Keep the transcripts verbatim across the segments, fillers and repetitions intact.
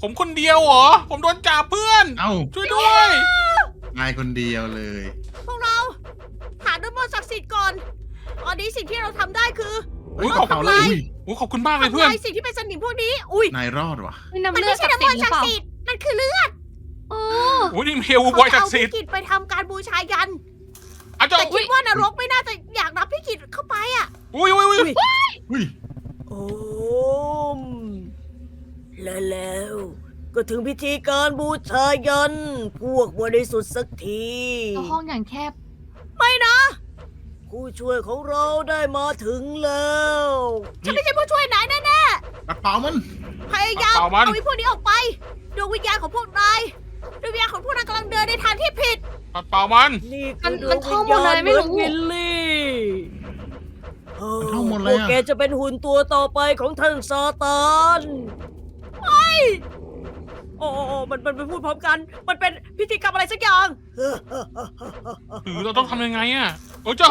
ผมคนเดียวเหรอผมโดนจับเพื่อนเอ้าช่วยด้วยนายคนเดียวเลยพวกเราหาด้วยมนต์ศักดิ์สิทธิ์ก่อน ตอนนี้สิ่งที่เราทำได้คืออุ้ยเฮ้ขอบเาคุณแล้วเลยอุ้ยอุ้ยขอบคุณมากเลยเพื่อนทำลายสิ่งที่เป็นสนิมพวกนี้ อุ้ยนายรอดว่ะนี่น้ำมันเลือไม่ดใช่ศักดิ์น้ำสิมทธิ์นหต์รือ เปล่าศักดิ์สิทธิ์มันคือเลือดโอ้อุ้ยนี่เฮลบอยศักดิ์สิทธิ์เขาจะเอาพี่กิจไปทำการบูชายันอาจจะแต่คิดว่านรกไม่น่าจะอยากรับพี่กิจเข้าไปอ่ะอุ้ยอุ้ยอุ้ยอุ้ยโอ้มและแล้วก็ถึงพิธีการบูชายัน พวกบริสุทธิ์สักทีแล้วห้องอย่างแคบไม่นะ ผู้ช่วยของเราได้มาถึงแล้วฉันไม่ใช่ผู้ช่วยไหนแน่ปัดเป่ามันๆพยายามเอาไอ้พวกนี้ออกไปดวงวิญญาณของพวกนายดวงวิญญาณของพวกนายกำลังเดินในทางที่ผิดปัดเป่ามันนี่มัคืนอดมัวน งท่วิองญหมดญาเลณยเหไม่มือนรู้วิลลี่เออมันท่องหมดพเลยวกอะแกจะเป็นหุ่นตัวต่อไปของท่านซาตานไม่โอ้โอ้โอ้มันมันมันพูดพร้อมกัน มันเป็นพิธีกรรมอะไรสักอย่างหรือเราต้องทำยังไงอ่ะโอ้ยเจ้า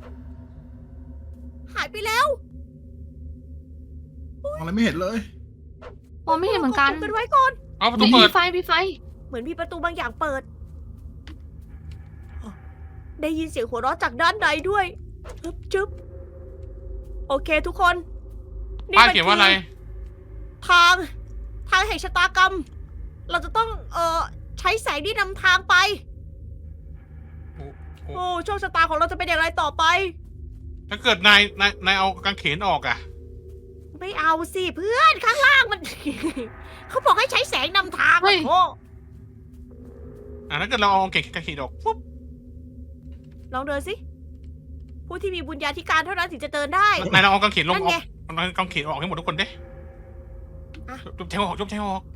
หายไปแล้วมองอะไรไม่เห็นเลยมองไม่เห็นเหมือนกันขบคุณไว้ก่อนเอาประตูมีเปิดไฟมีไฟเหมือนมีประตูบางอย่างเปิด ได้ยินเสียงหัวเราะจากด้านในด้วยจึ๊บจึ๊บโอเคทุกคนป้ายมัเขียนว่าอะไรทางทางแห่งชะตากรรม เราจะต้องเอ่อใช้แสงที่นำทางไปโอ้โอ้โอ้โชคชะตาของเราจะเป็นอย่างไรต่อไปถ้าเกิดนายนายนายเอากางเขนออกอ่ะไม่เอาสิเพื่อนข้างล่างมัน เขาบอกให้ใช้แสงนำทางเฮ้ยโอ้อ่ะถ้าเกิดเราเอากางเขนกางเขนออกปุ๊บลองเดินสิ ผู้ที่มีบุญญาธิการเท่านั้นถึงจะเดินได้นายเราเอากางเขนลงนั่นออไงกเอากางเขนออกให้หมดทุกคนเด้อ่ะจุ๊บแทงออกจุ๊บแทงออก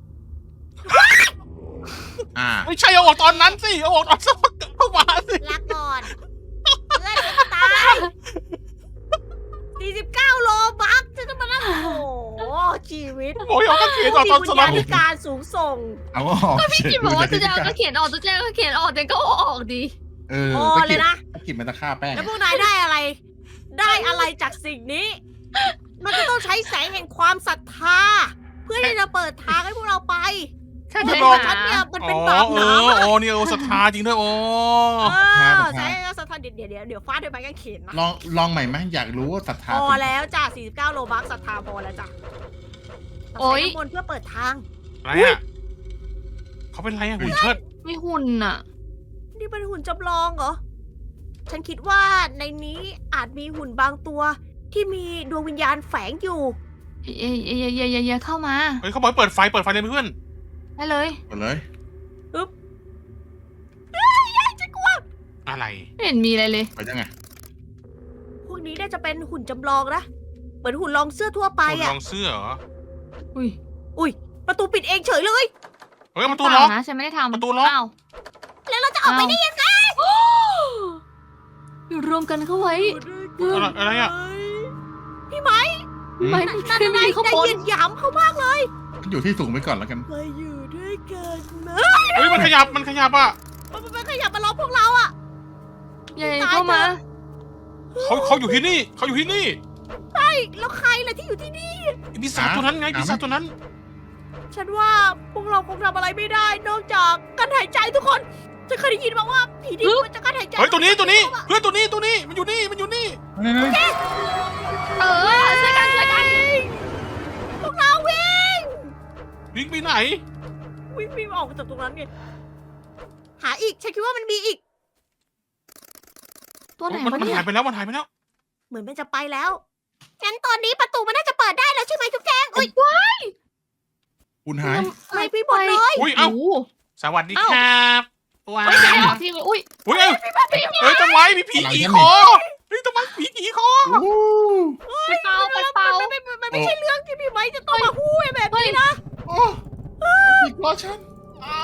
อ่าไม่ใช่เอาออกตอนนั้นสิเอาออกตอนสักพักเข้ามาสิลาก่อน เพื่อนจะตายสี่สิบเก้าโลบักจะต้องมานั่งโอ้โห ชีวิตบอกให้เอากางเขนออกมีตอนบุสญลัญาบธิการสูงส่งเอาออกพี่กิมบอกว่าจะเอาก็เขียนออกจะแจ้งก็เขียนออกแต่ก็เอาออกดีเออพอตะเลกิยดนะตะกิดมันตะฆ่าแป้งแล้วพวกนายได้อะไร ได้อะไรจากสิ่งนี้ มันก็ต้องใช้แสงแห่งความศรัทธา เพื่อที่จะเปิดทางให้พวกเราไปถ้าเพได้ราะว่าหาฉันเนี่ยมันอ๋เป็นอบาปเอหนาอมากโอ้นี่โอ้ศรัทธาจริงด้วยโอ้เออแสงแห่งศรัทธาเดี๋ยวเดี๋ยวเดี๋ยวเดี๋ยวฟาดด้วยไม้กางเขนนะลองลองใหม่ไหมอยากรู้ว่าศรัทธาพอจริงแล้วจ้ะสี่สิบเก้าโลบักศรัทธาพอแล้วจ้ะโอ๊ยใช้น้ำมนต์เพื่อเปิดทางอะไรอ่ะเขาเป็นไรอ่ะหุ่นเชิดไม่หุ่นอ่ะนี่เป็นหุ่นจำลองเหรอ ฉันคิดว่าในนี้อาจมีหุ่นบางตัว ที่มีดวงวิญญาณแฝงอยู่เอ้ยเอ้ยเอ้ยเอ้ยเอ้ยเอ้ยเข้ามาเฮ้ยเขาบอกให้เปิดไฟเปิดไฟเลยเพื่อนได้เลยหมดเลยอะไรไม่เห็นมีอะไรเลยไปยังไงพวกนี้น่าจะเป็นหุ่นจำลองนะ เหมือนหุ่นลองเสื้อทั่วไปคนลอะองเสื้อเหรออุ้ยอุ้ย ประตูปิดเองเฉยเลยเฮ้ยประตูเปล็ล่าอกนะฉันไม่ได้ทำประตูล็อกอ้าวแล้วเราจะออกไปได้ยังไงอยู่รวมกันเข้าไว้อะไรอะไรอ่ะพี่ไหมไม่นั่มีนใครนั่นมีนายข้างได้บนยินหยามเขามากเลยอยู่ที่สูงไปก่อนแล้วกันมาอยู่ด้วยกันนะเฮ้ยมันขยับมันขยับอ่ะมันมันขยับมาล้อมพวกเราอะอย่าเข้ามาเขาเขาอยู่ที่นี่เขาอยู่ที่นี่แล้วใครล่ะที่อยู่ที่นี่ไอ้ปีศาจตัวนั้นไงปีศาจตัวนั้นฉันว่าพวกเราคงทำอะไรไม่ได้ นอกจากการหายใจทุกคนฉันเคยได้ยินมาว่าผีดิบมันจะการหายใจเฮ้ยตัวนี้ตัวนี้เพื่อนตัวนี้ตัวนี้มันอยู่นี่มันอยู่นี่เออช่วยกันช่วยกันพวกเราวิ่งวิ่งไปไหนวิ่งวิ่งออกจากตรงนั้นไงหาอีก ฉันคิดว่ามันมีอีกตัวไหนมันวะมันเนี่ยหายไปแล้วมันหายไปแล้วเหมือนมันจะไปแล้ว งั้นตอนนี้ประตูมันน่าจะเปิดได้แล้วใช่ไหมทุกแจงอุ้ยคุณหายหายไปหมดเลยอุ้ยเอ้าโโหสวัสดีครับว้าไม่ใช่วหรอกที่อุ้ยอุ้ยเอ้ยเฮ้ยทำไมมีผีขี่คอเฮ้ยทำไมผีขี่คอโอ้ไปเป่าไปเป่ามันไม่มันไม่ใช่เรื่องที่พี่ไม้จะต้องมาพูดแบบนี้นะโอ้อีกรอฉันเอา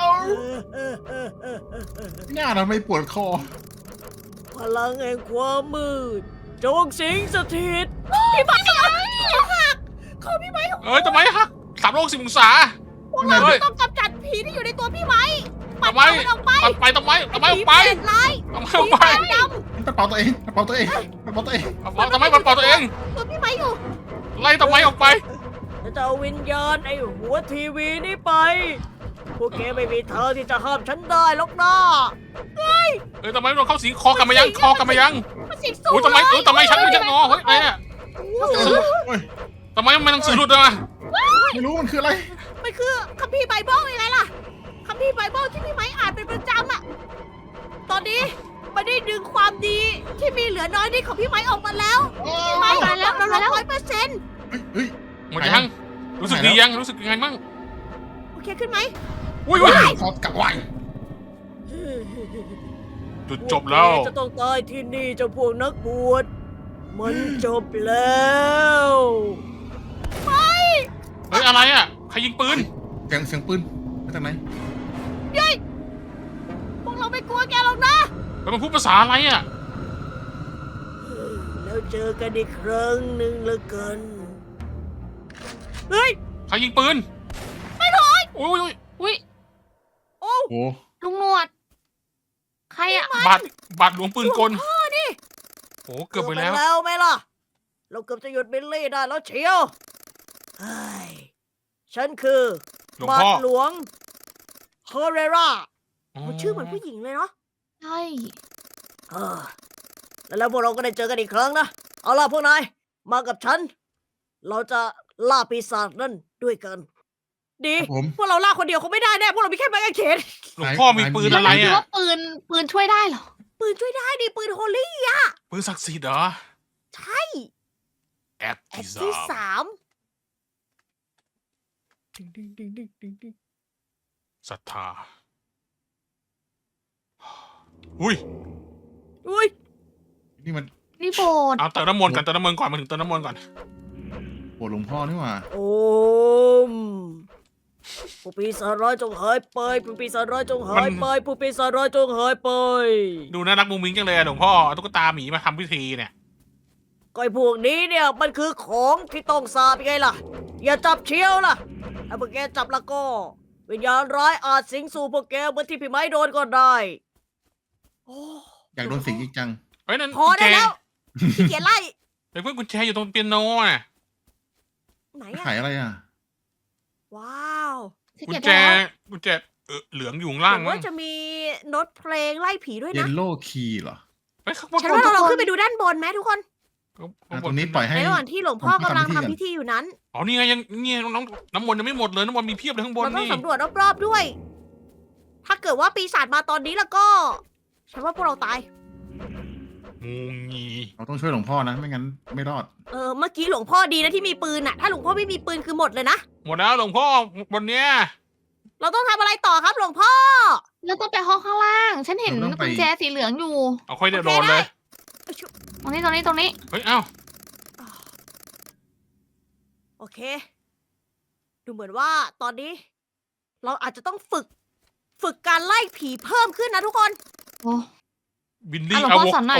หน้าทำไมปวดคอพลังแห่งความมืดจงสิงสถิตพี่ไม้หักเขาพี่ไม้เอ้ยทำไมฮะสามโลกสิบองศาพวกเราเฮ้ยต้องกำจัดผีที่อยู่ในตัวพี่ไม้ปัดทำไมมันออกไปปัดไปทำไมทำไมออกไปผีเปรตร้ายทำไมผีออกไปตาดกระเป๋าตัวเองกระเป๋าตัวเองกระเป๋าตัวเองทำไมปัดเป่าตัวเองำตัวพี่ไม้อยู่ไล่ทำไมออกไปฉันจะเอาวิญญาณไอ้หัวทีวีนี่ไป พวกแกไม่มีทางที่จะห้ามฉันได้หรอกนะเอ้ยทำไมมันเข้าสิงคอกันมายังคอกันมายังมันสิงสูโอ้ยทำไมเอ้ยทำไมฉันไม่จะงอเฮ้ยอะไรเนี่ยโอ้ยทำไมมันหนังสือหลุดมาไม่รู้มันคืออะไรมันคือคัมภีร์ไบเบิลยังไงล่ะคัมภีร์ไบเบิลที่พี่ไม้อ่านเป็นประจำอะตอนนี้มันได้ดึงความดีที่มีเหลือน้อยนิดของพี่ไม้ออกมาแล้วพี่ไม้มาแล้วเรามาแล้วร้อยเปอร์เซ็นต์เฮ้ยเฮ้ยหมดยังรู้สึกดียังรู้สึกยังไงบ้างโอเคขึ้นไหมอุ้ยอุ้ยคอกลับไวจุดจบแล้วจะต้องตายที่นี่เจ้าพวกนักบวชมันจบแล้วเฮ้ยอะไรอ่ะใครยิงปืนเสียงเสียงปืนมาจากไหนพวกเราไม่กลัวแกหรอกนะแล้วมันพูดภาษาอะไรอ่ะแล้วเจอกันอีกครั้งหนึ่งละกันเฮ้ยใครยิงปืนไม่ถอยอุ้ยอุ้ยอุ้ยโอ้โอ้ลุงหนวด ใครอะบาดบาดหลวงปืนกลพ่อนี่โอ้เกือบไปแล้วแล้วไหมล่ะ เราเกือบจะหยุดบิลลี่ได้แล้วเชียวเฮ้ยฉันคือหลวงบาพ่ทอหลวงเฮเรราอ๋อโอ้ชื่อเหมือนผู้หญิงเลยเนาะใช่เออแล้วแล้วพวกเราก็ได้เจอกันอีกครั้งนะ เอาล่ะพวกนาย มากับฉัน เราจะล่าปีศาจนั่นด้วยกัน ดีครับผมพวกเราล่าคนเดียวคงไม่ได้แน่ พวกเรามีแค่ไม้กางเขนหลวงพ่อมีปืนอะไรคิดอ่ะว่าปืนปืนช่วยได้เหรอปืนช่วยได้ดิปืนโฮลี่อะปืนศักดิ์สิทธิ์เหรอใช่แอคแอที่คสาที่มสามศรัทธาอุ้ยอุ้ยนี่มันนี่โบสถ์เอาเติมน้ำมนต์ก่อนเติมน้ำมนต์ก่อนมาถึงเติมน้ำมนต์ก่อนโบสถ์หลวงพ่อนี่หว่าโอมผู้ปีศาจร้ายจงหายไปผู้ปีศาจร้ายจงหายไปผู้ปีศาจร้ายจงหายไปดูน่ารักมุ้งมิ้งจังเลยอะหลวงพ่อเอาตุ๊กตาหมีมาทำพิธีเนี่ยก็ไอ้พวกนี้เนี่ยมันคือของที่ต้องสาบยังไงล่ะ อย่าจับเชียวล่ะถ้าพวกแกจับแล้วก็ วิญญาณร้ายอาจสิงสู่พวกแกเหมือนที่พี่ไม้โดนก็ได้โอ้อยากโดนสิงอีกจังเฮ้ยนั่นพอกุญแจได้แล้วขี้เกียจไล่เฮ้ยเพื่อนกุญแจอยู่ตรงเปียโนน่ะไหนขาอะยอะไรอ่ะว้าวที่กุญเก็บแจได้แล้วกุญแจเออเหลืองอยู่ข้างล่างผมมั้ว่าง จะมีโน้ตเพลงไล่ผีด้วยเยนะลโล่คีย์เหรอเฮ้ยข้างบนฉันว่าเราลองขึ้นไปดูด้านบนไหมทุกคนอ่ะตรงนี้ปล่อยให้ในระหว่างที่หลวงพ่อกำลังผมทำทำพิพิธีธีอยู่นั้นอ๋อนี่ไงยังเนี่ยน้องน้ำมนต์ยังไม่หมดเลยน้ำมนต์มีเพียบเลยข้างบนเราต้องนี่สำรวจรอบๆด้วย ถ้าเกิดว่าปีศาจมาตอนนี้แล้วก็ ฉันว่าพวกเราตายงูงีเราต้องช่วยหลวงพ่อนะ ไม่งั้นไม่รอดเออ เมื่อกี้หลวงพ่อดีนะที่มีปืนอะถ้าหลวงพ่อไม่มีปืนคือหมดเลยนะหมดแล้วหลวงพ่อบนเนี้ยเราต้องทำอะไรต่อครับหลวงพ่อแล้วต้องไปห้องข้างล่าง ฉันเห็นเราต้องไปกุญแจสีเหลืองอยู่เอาค่อยเดี๋ยวโดนเลยตรงนี้ตรงนี้ตรงนี้เฮ้ยเอ้าโอเค ดูเหมือนว่าตอนนี้ เราอาจจะต้องฝึก ฝึกการไล่ผีเพิ่มขึ้นนะทุกคนโอ้บินดี้อ่ะหลวงอะพ่อโวสอนหน่อย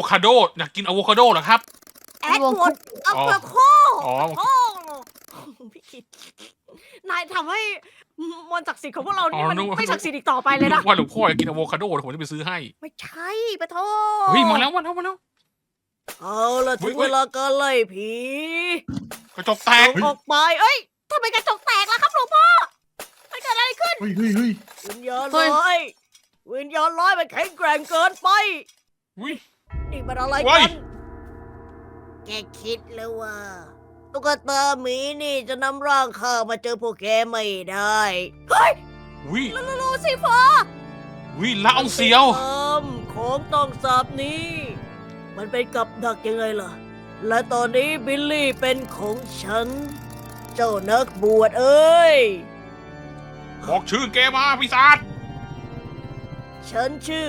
แอดวอดอัปเปอร์โคอ๋อโอ้พี่คิด นายทำให้มนต์ศักดิ์สิทธิ์ของพวกเรานี่มันไม่ศักดิ์สิทธิ์อีกต่อไปเลยนะว่าหลวงพ่ออยากกินอะโวคาโดเดี๋ยวผมจะไปซื้อให้ไม่ใช่ปะโทเฮ้ยมาแล้วมาแล้วมาแล้วเอาละเฮ้ถึยงเฮ้เวย ลาการไล่ผีกระจกแตกจงออกไปเอ้ยทำไมกระจกแตกล่ะครับหลวงพ่อมันเกิดอะไรขึ้นเฮ้ยเฮ้ยเฮ้ยวิญญาณร้ายวิญญาณร้ายมันแข็งแกร่งเกินไปอุ้ยนี่มันอะไรเฮ้กัยน แกคิดเลยว่าตุ๊กตาหมีนี่จะนำร่างข้ามาเจอพวกแกไม่ได้ เฮ้ยอุ้ยลูลูสิฟ้าอุ้ยละอองเสียวทำของต้องสาบนี้ มันเป็นกับดักยังไงล่ะ และตอนนี้บิลลี่เป็นของฉัน เจ้านักบวชเอ้ยบอกชื่อแกมาพิศาจฉันชื่อ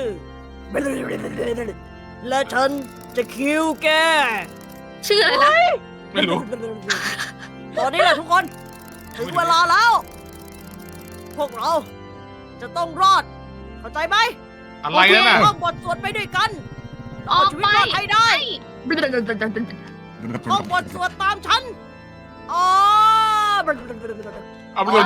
และฉันจะคิวแกชื่ออะไรนะไม่รู้ตอนนี้แหละทุกคน ถึงเวลาแล้ว พวกเราจะต้องรอด เข้าใจไหมอะไรนั่นน่ะท่องบทสวดไปด้วยกันออกชีวิไปตรอดให้ได้ท่องบทสวดตามฉันอ๋อเอาไปเลย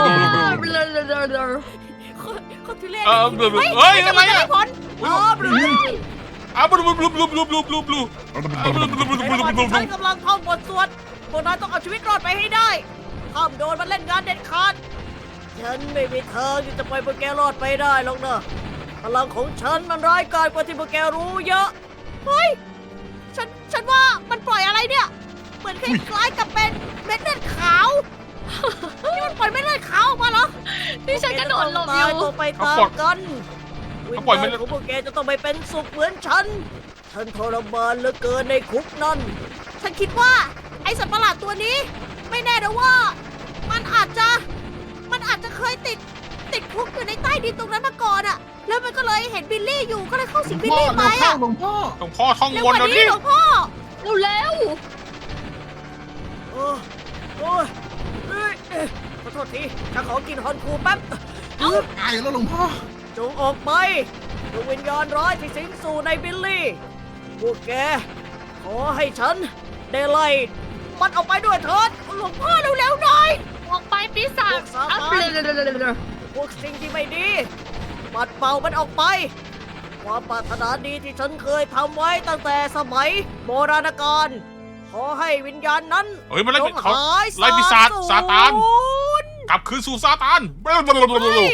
เขาทุเรศเออเฮ้ยอะไรอะผลอ๋อเอาบลูบลูบลูบลูบลูบลูบลูในระหว่างที่ฉันกำลังท่องบทสวดพวกนายต้องเอาชีวิตรอดไปให้ได้ห้ามโดนมันเล่นงานเด็ดขาดฉันไม่มีทางที่จะปล่อยพวกแกรอดไปได้หรอกนะพลังของฉันมันร้ายกาจกว่าที่พวกแกรู้เยอะเฮ้ยฉันฉันว่ามันปล่อยอะไรเนี่ยเหมือนคล้ายๆกับเป็นเม็ดเลือดขาวนี่มันปล่อยเม็ดเลือดขาวออกมาเหรอนี่ฉันกระโดดหลบอยู่ตายตัวไปตามกันวิญญาณของพวกแกจะต้องไปเป็นสุขเหมือนฉัน ฉันทรมานเหลือเกินในคุกนั่น ฉันคิดว่าไอ้สัตว์ประหลาดตัวนี้ ไม่แน่นะว่า มันอาจจะ มันอาจจะเคยติด ติดคุกอยู่ในใต้ดินตรงนั้นมาก่อนอะแล้วมันก็เลยเห็นบิลลี่อยู่ก็เลยเข้าสิงบิลพ่อลี่ไปเราเข้าอะหลวงพ่อหลวงพ่อท่องเร็ววกนว่าเดี๋ยวนี้นี้หลวงพ่อเร็วโอ้โอ้ยเอ้ยเอ้ยขอโทษทีฉันขอกินฮอนคูแป๊บตายแล้วหลวงพ่อจงออกไปดวงวิญญาณร้ายที่สิงสู่ในบิลลี่ พวกแก ขอให้ฉันได้ไล่มันออกไปด้วยเถิดหลวงพ่อเร็วๆหน่อยออกไปปีศาจพวกซาตานอัพเลยพวกสิ่งที่ไม่ดีปัดเป่ามันออกไป ความปรารถนาดีที่ฉันเคยทำไว้ตั้งแต่สมัยโบราณกาลขอให้วิญญาณนั้นเฮ้ยมันไล่จงเขาหายไล่ปีศาจบสูญซาตาน กลับคืนสู่ซาตานเฮ้ย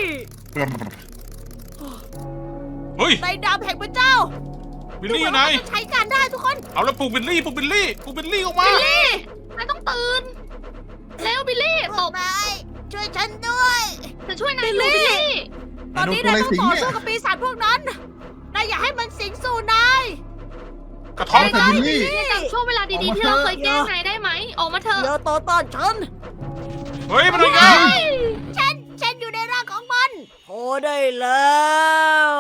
เฮ้ยในดาบแห่งพระเจ้าบิลลี่อยู่ไหนดูเหมืว่ามัจะใช้การได้ทุกคนเอาแล้วปลุกบิลลี่ปลุกบิลลี่ปลุกบิลลี่ออกมาบิลลี่นายต้องตื่นเร็วบิลลี่ตบนายช่วยฉันด้วยจะช่วยนายอยู่บิลลี่ตอนนี้นายต้องต่อสู้กับปีศาจพวกนั้น นายอย่าให้มันสิงสู่นายกระท้อนแต่บิลลี่จำช่วงเวลาดีๆที่เราเคยแกล้งนายได้ไหมออกมาเถอะอย่าต่อต้านฉันเฮ้ยมันอะไรกันฉัน ฉันอยู่ในร่างของมันพอได้แล้ว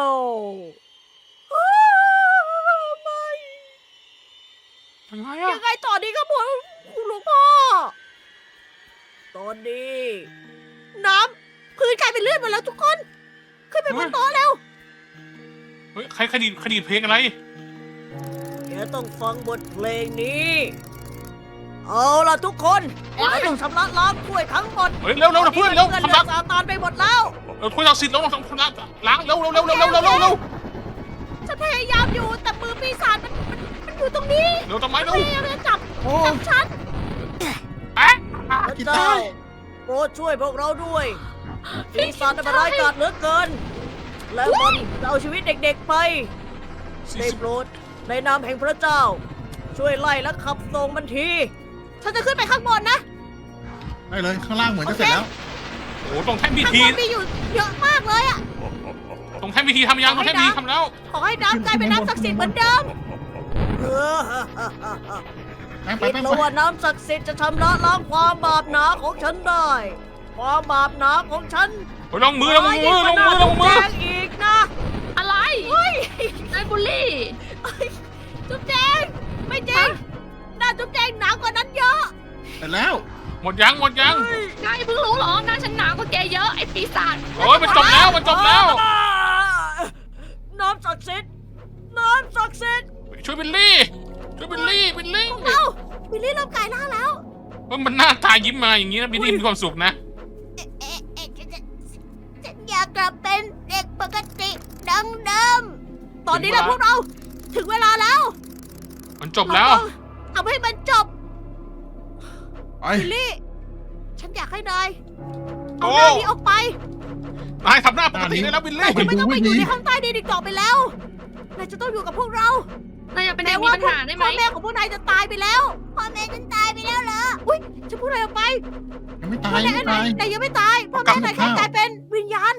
ไม่ยังไงอะยังไงต่อดีครับผมคุณหลวงพ่อ ตอนนี้ น้ำพื้นกลายเป็นเลือดหมดแล้วทุกคน ขึ้นไปบนโต๊ะแล้วเฮ้ยใครคดีคดีเพลงอะไรแกต้องฟังบทเพลงนี้ เอาล่ะทุกคนเราต้องชำระล้างถ้วยทั้งหมดเฮ้ยเร็วเร็วนะเพื่อนเร็วเลือดทำรักซาตานไปหมดแล้วเราถ้วยศักดิ์สิทธิ์เราต้องทำรักล้างเร็วเร็วเร็วเร็วเร็วเร็วเร็วเร็วฉันพยายามอยู่แต่มือปีศาจมันมันมันอยู่ตรงนี้เร็วทำไมมันเร็วพยายามจะจับโอ้จับฉันแอะพระเจ้าโปรดช่วยพวกเราด้วยปีศาจมันร้ายกาจเหลือเกิน แล้วมันจะเอาชีวิตเด็กๆไป ได้โปรดในนามแห่งพระเจ้า ช่วยไล่และขับส่งมันที ฉันจะขึ้นไปข้างบนนะได้เลยข้างล่างเหมือนจะเสร็จแล้วโอ้ตรงแท่นพิข้างธีบนมีอยู่เยอะมากเลยอะตรงแท่นพิธีทำยังตรงแท่นพิธีทำแล้วขอให้น้ำกลายเป็นน้ำศักดิ์สิทธิ์เหมือนเดิมเออไปไปคิดไปแล้วว่าน้ำศักดิ์สิทธิ์จะชำระล้างความบาปหนาของฉันได้ ความบาปหนาของฉันเฮ้ยลงมือลงมือลงมือลงมือแจ้งอีกนะอะไรเฮ้ยนายบุลลี่จุ๊บแจงไม่จริงหน้าจุ๊บแจงหนากว่านั้นเยอะเสร็จแล้วหมดยังหมดยังนายเพิ่งรู้เหรอหน้าฉันหนากว่าแกเยอะไอ้ปีศาจโอ้ยมันจบแล้วมันจบแล้วน้ำศักดิ์สิทธิ์น้ำศักดิ์สิทธิ์ช่วยบิลลี่ช่วยบิลลี่บิลลี่เอ้าบิลลี่เริ่มกลายร่างแล้วว่ามันหน้าตายิ้มมาอย่างนี้นะบิลลี่มีความสุขนะเอ๊ะเอ๊ะเอ๊ะฉันฉันอยากกลับเป็นเด็กปกติดังเดิมตอนนี้นะพวกเราถึงเวลาแล้วมันจบแล้วเราต้องทำให้มันจบไปบิลลี่ ฉันอยากให้นายโอ้เอาหน้านี้ออกไปนายทำหน้าปกติได้แล้วบิลนายลี่จะไม่ต้องไปอยู่ในห้องใต้ดินอีกต่อไปแล้ว นายจะต้องอยู่กับพวกเรานายอยากเป็นเด็แม้กมีว่าปัญหาได้ไหมพ่อแม่ของพวกนายจะตายไปแล้ว พ่อแม่ฉันตายไปแล้วเหรอ อุ้ยฉันพูดอะไรออกไปยังไม่พ่ตาอย แม่ยังไม่นายตายนายยังไม่ตาย พ่อแม่นายแค่กลายเป็นวิญญาณ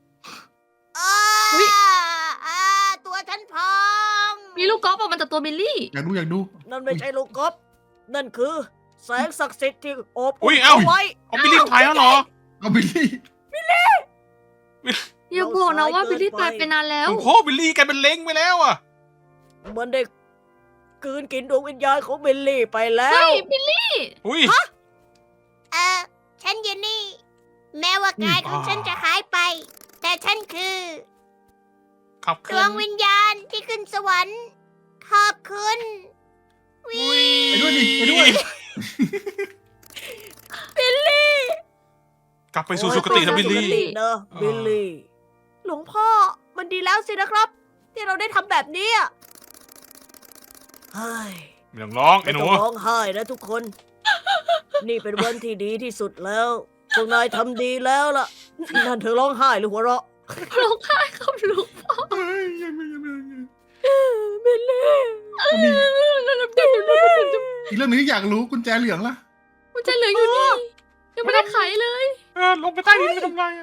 อุ๊ยอ่าตัวฉันพองมีลูกกอล์ฟออกมาจากตัวบิลลี่อยากดูอยากดูนั่นไม่ใช่ลูกกบนั่นคือ แสงศักดิ์สิทธิ์ที่โอบอุ้อุ่ยนเอ้าเอาไว้เอาบิลลี่ตายแล้วเหรอเอาบิลลี่อย่าบอกนะว่าบิลลี่ตายไปนานแล้วโอ้โหบิลลี่กลายเป็นเล้งไปแล้วอ่ะมันได้กลืนกินดวงวิญญาณของบิลลี่ไปแล้เฮ้วยบิลลี่อุ้ยเออฉันเยนนี่ แม้ว่ากายของฉันจะหายไป แต่ฉันคือขับดเคลื่วอง นวิญญาณที่ขึ้นสวรรค์ ขอบคุณวิอุ้ยไปด้วยดิไปด้วยบิลลี่กลับไปสู่สุคตินะบิลลี่เนอะบิลลี่ หลวงพ่อมันดีแล้วสินะครับ ที่เราได้ทำแบบนี้อะเฮ้ยไม่ต้องร้องไอ้ไม่หนูต้องร้องไห้นะทุกคนนี่เป็นวันที่ดีที่สุดแล้วพวกนายทำดีแล้วล่ะนั่นเธอร้องไห้หรือหัวเราะร้องไห้ครับลูกเฮ้ยยังไม่ยังไม่ยังไม่เบลลี่มี อีกเรื่องหนึงที่อยากรู้กุญแจเหลืองล่ะมันจะเหลืออยู่นี่ยังไม่ได้ไขเลยเออลงไปใต้ดินไปทำไงอะ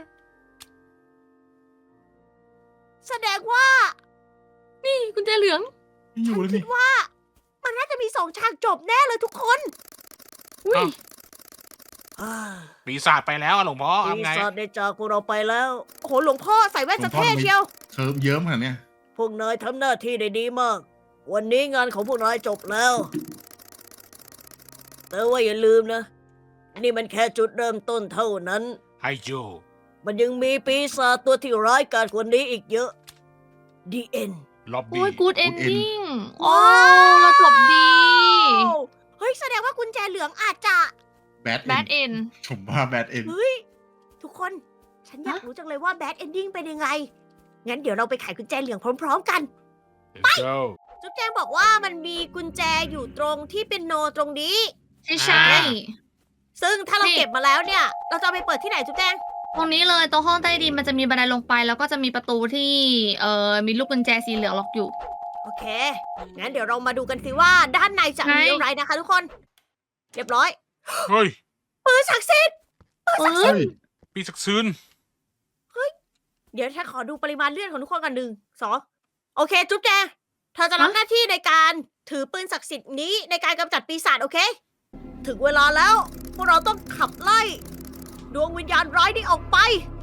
แสดงว่านี่กุญแจเหลืองไม่อยู่แล้วคินี่ดว่า มันน่าจะมีสองฉากจบแน่เลยทุกคนอุ้ยอ่าปีศาจไปแล้วอะหลวงพ่อปีทำไงศาจได้จากพวกเราไปแล้วโอ้โหหลวงพ่อใส่แว่นจะเท่เชียวเคิร์ฟเยิ้มขนาดเนี้ยพวกนายทำหน้าที่ได้ดีมาก วันนี้งานของพวกนายจบแล้ว แต่ว่าอย่าลืมนะ นี่มันแค่จุดเริ่มต้นเท่านั้นไฮโจมันยังมีปีศาจตัวที่ร้ายกาจกว่านี้อีกเยอะ ดี เอ็นล็อบโอ้บี้ยกูดเอนดิ้งว้โอ้าวเราจบดีเฮ้ยแสดงว่ากุญแจเหลืองอาจจะแบดแบดเอ็นผมว่าแบดเอ็นเฮ้ย ทุกคน ฉันอยากฮะรู้จังเลยว่าแบดเอนดิ้งเป็นยังไง งั้นเดี๋ยวเราไปไขกุญแจเหลืองพร้อมๆกันไปโจจุ๊บแจงบอกว่ามันมีกุญแจอยู่ตรงที่เป็นโนตรงนี้ใช่ใช่ซึ่งถ้าเรานี่เก็บมาแล้วเนี่ย เราจะเอาไปเปิดที่ไหนจุ๊บแจงตรงนี้เลยตรงห้องใต้ดินมันจะมีบันไดลงไป แล้วก็จะมีประตูที่เอ่อมีลูกกุญแจสีเหลืองล็อกอยู่โอเค งั้นเดี๋ยวเรามาดูกันสิว่าด้านในจะไหนมีอะไรนะคะทุกคน เรียบร้อยเฮ้ยปืนศักดิ์สิทธิ์เอเฮ้อยปีศักดิ์ซืนเดี๋ยวฉันขอดูปริมาณเลือดของทุกคนกันหนึ่งสองโอเค จุ๊บแจงเธอจะรับหน้าที่ในการถือปืนศักดิ์สิทธิ์นี้ในการกำจัดปีศาจโอเค ถึงเวลาแล้ว พวกเราต้องขับไล่ ดวงวิญญาณร้ายนี้ออกไป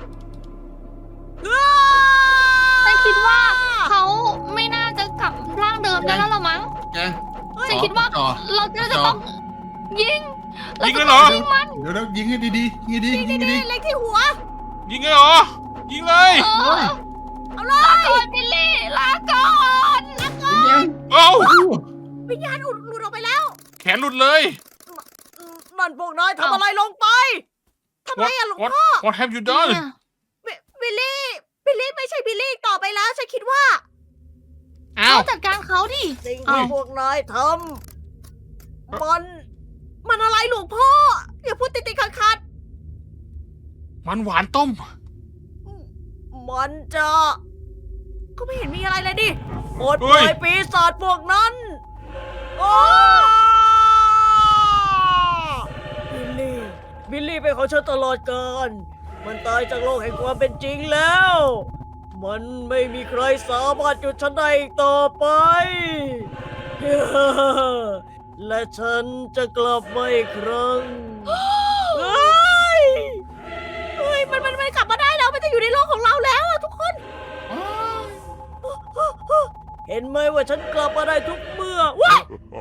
อ้าฉันคิดว่าเขาไม่น่าจะกลับร่างเดิมได้แล้วหรอมั้งแกงฉันคิดว่าต่อเราจะจะต้องยิงยิงเลยเหรอยิงมันเดี๋ยวเรายิงให้ดีๆยิงให้ดียิงให้ดีนี่เล็กที่หัวยิงเลยเหรอ ยิงเลยเออเอาเลยลาก่อนบิลลี่ลาก่อนยิงยังเอ้าวิญญาณอุดหลุดออกไปแล้วแขนหลุดเลยอืมนั่นพวกนายทำอะไรลงไปทำไมอะหลวง What พ่อ What have you done บิบิลลี่ บิลลี่ไม่ใช่บิลลี่อีกต่อไปแล้ว ฉันคิดว่าอ้าวเราจัดการเขาดิสิ่งเอ้ที่ยพวกนายทำมัน มันอะไรหลวงพ่อ อย่าพูดติดๆขัดมันหวานต้มๆมันจะ ก็ไม่เห็นมีอะไรเลยดิปลดปเฮ้ล่อย ยปีศาจพวกนั้นโอ้บิลลี่ บิลลี่เป็นของฉันตลอดกาลมันตายจากโลกแห่งความเป็นจริงแล้ว มันไม่มีใครสามารถหยุดฉันได้อีกต่อไป และฉันจะกลับมาอีกครั้ง เฮ้ย เฮ้ย มันมันมันกลับมาได้แล้ว มันจะอยู่ในโลกของเราแล้วอะทุกคน เห็นไหมว่าฉันกลับมาได้ทุกเมื่อว้าย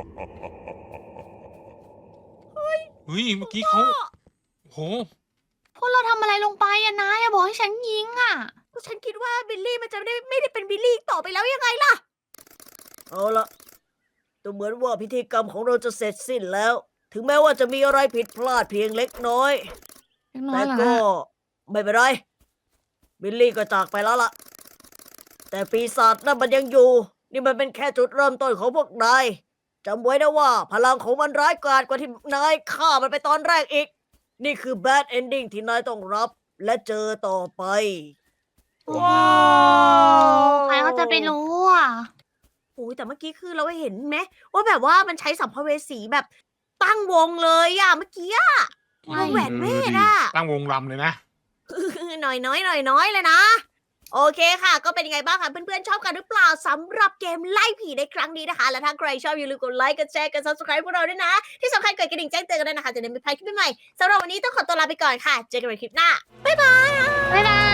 เฮ้ย เมื่อกี้เขาโหพวกเราทำอะไรลงไปอะนายอะบอกให้ฉันยิงอะก็ฉันคิดว่าบิลลี่มันจะไม่ได้ไม่ได้เป็นบิลลี่อีกต่อไปแล้วยังไงล่ะ เอาละดูเหมือนว่าพิธีกรรมของเราจะเสร็จสิ้นแล้ว ถึงแม้ว่าจะมีอะไรผิดพลาดเพียงเล็กน้อยเล็กน้อแต่ยเหรอก็ฮะไม่เป็นไร บิลลี่ก็จากไปแล้วล่ะ แต่ปีศาจนั่นมันยังอยู่ นี่มันเป็นแค่จุดเริ่มต้นของพวกนายจำไว้นะว่า พลังของมันร้ายกาจกว่าที่นายฆ่ามันไปตอนแรกอีก นี่คือ bad ending ที่นายต้องรับและเจอต่อไป ว้าวใครเขาจะไปรู้อะโอ้ยแต่เมื่อกี้คือเราเห็นไหมว่าแบบว่ามันใช้สัมภเวสีแบบตั้งวงเลยอะเมื่อกี้อะวงแหวนเวทอะตั้งวงรำเลยนะหน่อยน้อยหน่อยน้อยเลยนะ โอเคค่ะ ก็เป็นยังไงบ้างคะเพื่อนๆชอบกันหรือเปล่าสำหรับเกมไล่ผีในครั้งนี้นะคะ และถ้าใครชอบอย่าลืมกดไลค์กดแชร์กด subscribe พวกเราด้วยนะ ที่สำคัญกดกระดิ่งแจ้งเตือนกันด้วยนะคะจะได้ไม่พลาดคลิปใหม่ๆสำหรับวันนี้ต้องขอตัวลาไปก่อนค่ะ เจอกันใหม่คลิปหน้า บ๊ายบายบ๊ายบาย